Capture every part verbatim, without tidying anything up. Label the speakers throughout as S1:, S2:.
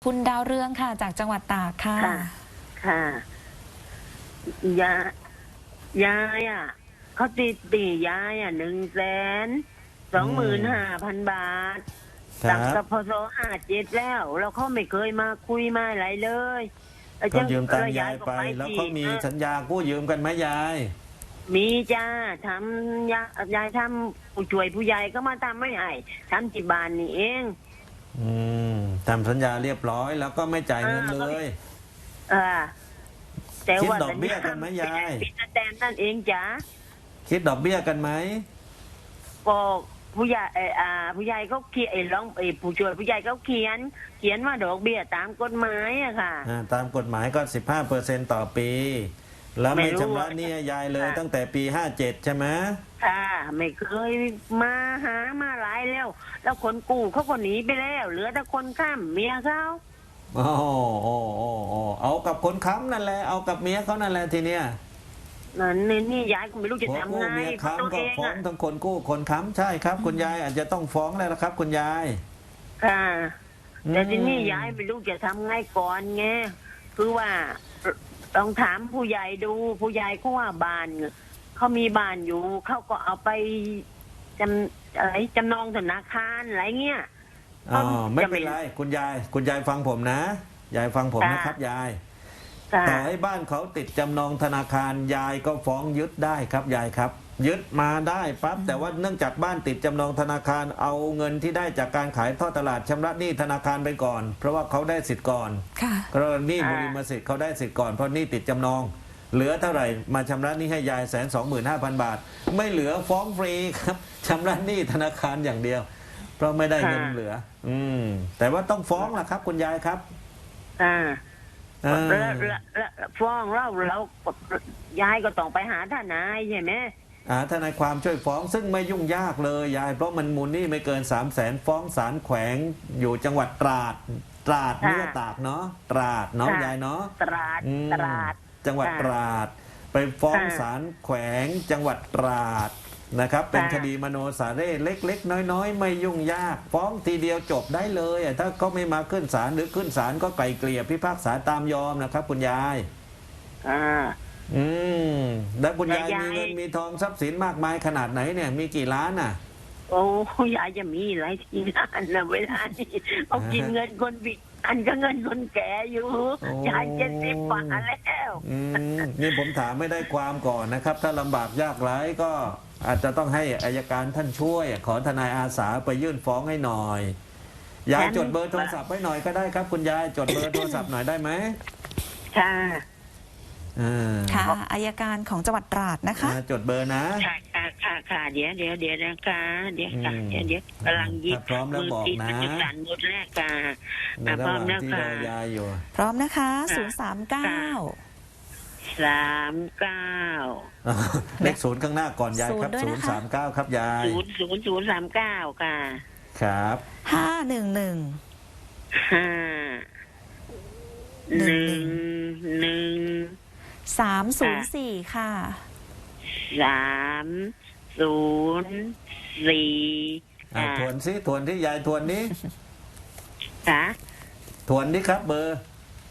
S1: คุณดาวเรืองค่ะจากจังหวัดตากค่ะ
S2: ค่ะค่ะยายยายอ่ะเขาติดตียายอ่ะหนึ่งแสนสองหมื่นห้าพันบาทตั้งแต่พศห้าเจ็ดแล้วแล้วเขาไม่เคยมาคุยมาอะไรเลย
S3: เขายืมตังค์ยายไปแล้วเขามีสัญญากู้ยืมกันไหมยาย
S2: มีจ้าทำยายายทำผู้ช่วยผู้ใหญ่ก็มาทำไม่ให้ทำที่บ้านนี่เอง
S3: อืมทำสัญญาเรียบร้อยแล้วก็ไม่จ่ายเงินเลย
S2: อ่าแต่ว่า
S3: คิดดอกเบี้ยกันไหมยาย
S2: ปิดแตนนั่นเองจ้า
S3: คิดดอกเบี้ยกันไหม
S2: ก็ผู้ใหญ่อ่าผู้ใหญ่เขาเขียนไอ้ร้องไอ้ผู้ช่วยผู้ใหญ่เขาเขียน เขียนว่าดอกเบี้ยตามกฎหมายอะค่ะ
S3: ตามกฎหมายก็สิบห้าเปอร์เซ็นต์ต่อปีแล้วไม่ชำระหนี้ยายเลยตั้งแต่ปีห้าเจ็ดใช่ไหม
S2: ค่ะไม่เคยมาหามาหลายแล้วแล้วคนกู้เขาก็หนีไปแล้วเหลือแต่คนข้ามเมียเขา
S3: โอ้โอ้โอ้โอ้เอากับคนค้ำนั่นแหละเอากับเมียเขานั่นแหละทีเนี้ย
S2: นั่นนี่ยายก็ไม่รู้จะทำไง
S3: เมียค้ำก็ฟ้องทั้งคนกู้คนค้ำใช่ครับคุณยายอาจจะต้องฟ้องแล้วนะครับคุณยาย
S2: ค่ะแต่ทีนี้ยายไม่รู้จะทำไงก่อนไงคือว่าต้องถามผู้ใหญ่ดูผู้ใหญ่เขาว่าบ้านเขามีบ้านอยู่เขาก็เอาไปจำอะไรจำนองธนาคารอะไรเงี้ย
S3: อ๋อไม่เป็นไรคุณยายคุณยายฟังผมนะยายฟังผมนะครับยายต่อให้บ้านเขาติดจำนองธนาคารยายก็ฟ้องยึดได้ครับยายครับยึดมาได้ปั๊บแต่ว่าเนื่องจากบ้านติดจำนองธนาคารเอาเงินที่ได้จากการขายทอดตลาดชำระหนี้ธนาคารไปก่อนเพราะว่าเขาได้สิทธิ์ก่อนกรณีบุริมสิทธิ์เขาได้สิทธิ์ก่อนเพราะหนี้ติดจำนองเหลือเท่าไหร่มาชำระหนี้ให้ยายแสนสองหมื่นห้าพันบาทไม่เหลือฟ้องฟรีครับชำระหนี้ธนาคารอย่างเดียวเพราะไม่ได้เงินเหลืออืมแต่ว่าต้องฟ้องล่ะครับคุณยายครับ
S2: อ่าแล้วฟ้องเราเรายายก็ต้องไปหาทนายใช่ไหม
S3: อ่าทนายความช่วยฟ้องซึ่งไม่ยุ่งยากเลยยายเพราะมันมูลหนี้ไม่เกินสามแสนฟ้องศาลแขวงอยู่จังหวัดตราดตราดเนื้อตากเนาะตราดเนาะยายเนาะ
S2: ตราดตราด
S3: จังหวัดตราดไปฟ้องศาลแขวงจังหวัดตราดนะครับเป็นคดีมโนสาเร่เล็กๆน้อยๆไม่ยุ่งยากฟ้องทีเดียวจบได้เลยถ้าเขาไม่มาขึ้นศาลหรือขึ้นศาลก็ไกล่เกลี่ยพิพากษาตามยอมนะครับคุณยาย
S2: อ่า
S3: อืมแล้วคุณยายมีเงินมีทองทรัพย์สินมากมายขนาดไหนเนี่ยมีกี่ล้านน่ะ
S2: โอ้ยายจะมีหลายที่ล้านนะเวลานี้เขากินเงินคนบิอันก็เงินคนแก่อยู่ยายเจ็ดสิบกว่าแล้ว
S3: อืมนี่ผมถามไม่ได้ความก่อนนะครับถ้าลำบากยากไร้ก็อาจจะต้องให้อัยการท่านช่วยขอทนายอาสาไปยื่นฟ้องให้หน่อยยายจดเบอร์โทรศัพท์ไว้หน่อยก็ได้ครับคุณยายจดเบอร์โทรศัพท์หน่อยได้ไหม
S2: ค่ะ
S1: ค่ะอัยการของจังหวัดตราดนะคะ
S3: จดเบอร์นะ
S2: ค่ะค่ะค่ะค่ะเดี๋ยวเดี๋ยวเดี๋ยวนะคะเดี๋ยวค่ะเดี๋ยวเดี๋ยวกำลังยิบ
S3: พร้อมแล้วบอกนะ
S2: มือสั่นหมดแรกค่ะพร้อมแล้วค่ะ
S1: พร้อมนะคะศูนย์สามเก้า
S2: สามเก้า
S3: เลขศูนย์ข้างหน้าก่อนยายครับศูนย์สามเก้าครับยาย
S2: ศูนย์ศูนย์ศูนย์สามเก้าค่ะ
S3: ครับ
S1: ห้าหนึ่งหนึ่ง
S2: ห้าหนึ่งหนึ่ง
S1: สามศูนย์สี่ค่ะ
S2: สามศูนย์สี่
S3: ทวนซิทวนที่ยายทวนนี้
S2: ค่ะ
S3: ทวนนี้ครับเบอร์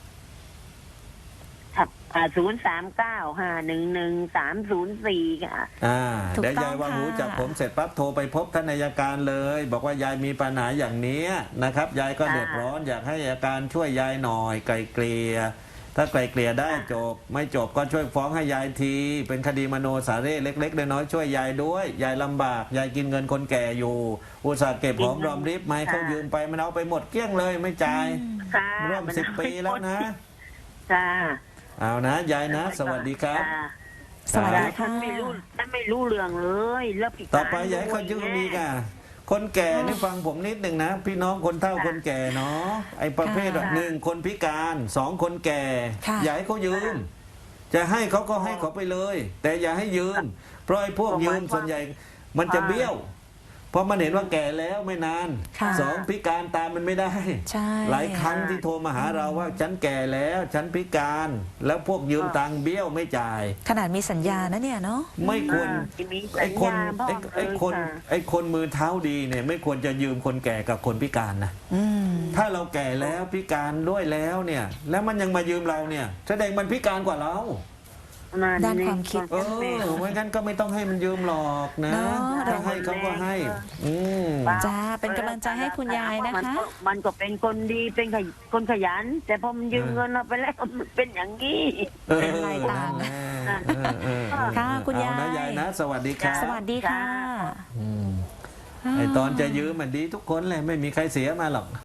S2: ศูนย์สามเก้าห้าหนึ่งหนึ่งสามศูนย์สี่ค่ะ
S3: อ่าเดี๋ยวยายวางหูจากผมเสร็จปั๊บโทรไปพบท่านอัยการเลยบอกว่ายายมีปัญหาอย่างนี้นะครับยายก็เดือดร้อนอยากให้อัยการช่วยยายหน่อยไกลเกลี่ยถ้าไกลเกลี่ยได้จบไม่จบก็ช่วยฟ้องให้ยายทีเป็นคดีมโนสาเร่เล็กๆน้อยๆช่วยยายด้วยยายลำบากยายกินเงินคนแก่อยู่อุตส่าห์เก็บหอมรอมริบไม่เขายืมไปมันเอาไปหมดเกลี้ยงเลยไม่จ่ายร่วมสิบปีแล้วนะ
S2: ค่ะ
S3: เอานะยายนะสวัสดีครับ
S1: สวัสดีค่ะ
S2: ไม่รู้ไม่รู้เรื่องเลยแล้ว
S3: ต่อไปยายเขายืมอีกอ่ะคนแก่นี่ฟังผมนิดหนึ่งนะพี่น้องคนเฒ่าคนแก่เนาะไอ้ประเภทหนึ่งคนพิการสองคนแก่อย่าให้เขายืมจะให้เขาก็ให้เขาไปเลยแต่อย่าให้ยืมเพราะไอ้พวกยืมส่วนใหญ่มันจะเบี้ยวเพราะมันเห็นว่าแก่แล้วไม่นาน
S1: ค่ะ
S3: สองพิการตามมันไม่ได้
S1: ใช่
S3: หลายครั้งที่โทรมาหาเราว่าฉันแก่แล้วฉันพิการ แล้วพวกยืมตังค์เบี้ยวไม่จ่าย
S1: ขนาดมีสัญญานะเนี่ยเนาะ
S3: ไม่ควร
S2: อ่าที่มีสั
S3: ไอ้
S2: ญ
S3: คน
S2: ญาบอก
S3: ไอ้ไอ้
S2: เลย
S3: คน
S2: ค่ะ
S3: ไอ้คนมือเท้าดีเนี่ยไม่ควรจะยืมคนแก่กับคนพิการนะ
S1: อืม
S3: ถ้าเราแก่แล้วพิการด้วยแล้วเนี่ย แล้วมันยังมายืมเราเนี่ยแสดงมันพิการกว่าเรา
S1: ด้านความคิด
S3: เออไม่งั้นก็ไม่ต้องให้มันยืมหรอกนะ
S1: เนอะ
S3: ถ้าให้เขาก็ให้ อืม
S1: จ้าเป็นกำลังใจให้คุณยายนะคะ
S2: มันก็มันก็เป็นคนดีเป็นขยคนขยัน แต่พอมันยืมเงินเราไปแล้วมันเป็นอย่างนี้
S3: เออ
S1: เป็นลายต่าง
S3: นั่นแน่เออเออเออ
S1: ค่ะคุณยาย
S3: เอนะยายนะ สวัสดีครับ
S1: สวัสดีค่ะ
S3: อืมไอตอนจะยืมมันดีทุกคนเลยไม่มีใครเสียมาหรอก